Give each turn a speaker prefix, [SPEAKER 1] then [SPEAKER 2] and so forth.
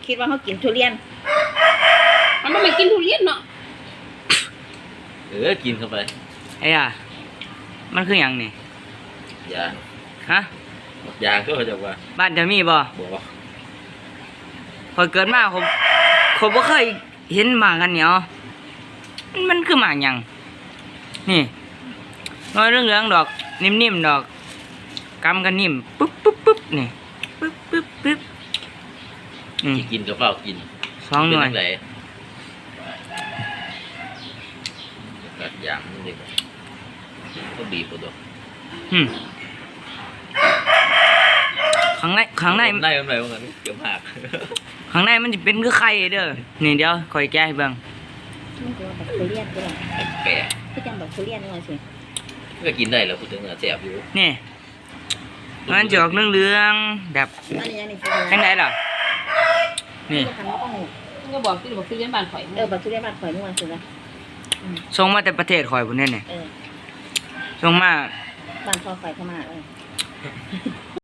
[SPEAKER 1] คิดว่าเขากินทุเรียน
[SPEAKER 2] มันไม่กินทุเรียนเนาะ
[SPEAKER 3] กินเข้าไป
[SPEAKER 4] ไอ้อะมันคืออย่างนี่
[SPEAKER 3] ยาง
[SPEAKER 4] ฮะ
[SPEAKER 3] ยางก็จะว่า
[SPEAKER 4] บ้านจะมีบ่พอเกิดมาผมบ่เคยเห็นหมากกันเหนียวมันคือหมากหยังนี่น้อยเรื่องดอกนิ่มๆดอกกำกันนิ่มปึ๊บนี่ปึ๊บ
[SPEAKER 3] กินกับเปล่ากิน
[SPEAKER 4] 2 หน่วย
[SPEAKER 3] กัดยางนี่ก็บีบตัว
[SPEAKER 4] ข้างใน
[SPEAKER 3] มันได้มันเกี่ยวหัก
[SPEAKER 4] ข้างในมันจะเป็นคือไข่เด้อนี่เดี๋ยวคอยแก้ให้เบิ่ง
[SPEAKER 1] มันจะแบบทุเรียนก็ได้
[SPEAKER 3] แปะ
[SPEAKER 1] คือจังแบบทุเรียนนี่ว่าสิ
[SPEAKER 3] ก็กินได้แล้วพูดถึงแซ่บอยู่
[SPEAKER 4] นี่มันจะออกเรื่องแบบข้างในล่ะนี่
[SPEAKER 2] ก็บอกที่ทุเรียนบ้านข่อย
[SPEAKER 1] บอกทุเรียนบ้านข่อยนี่ว่าสิละ
[SPEAKER 4] ส่งมาแต่ประเทศข่อยพุ่นนี่ส่งมา
[SPEAKER 1] บ้านพ่อข่อยเข้ามา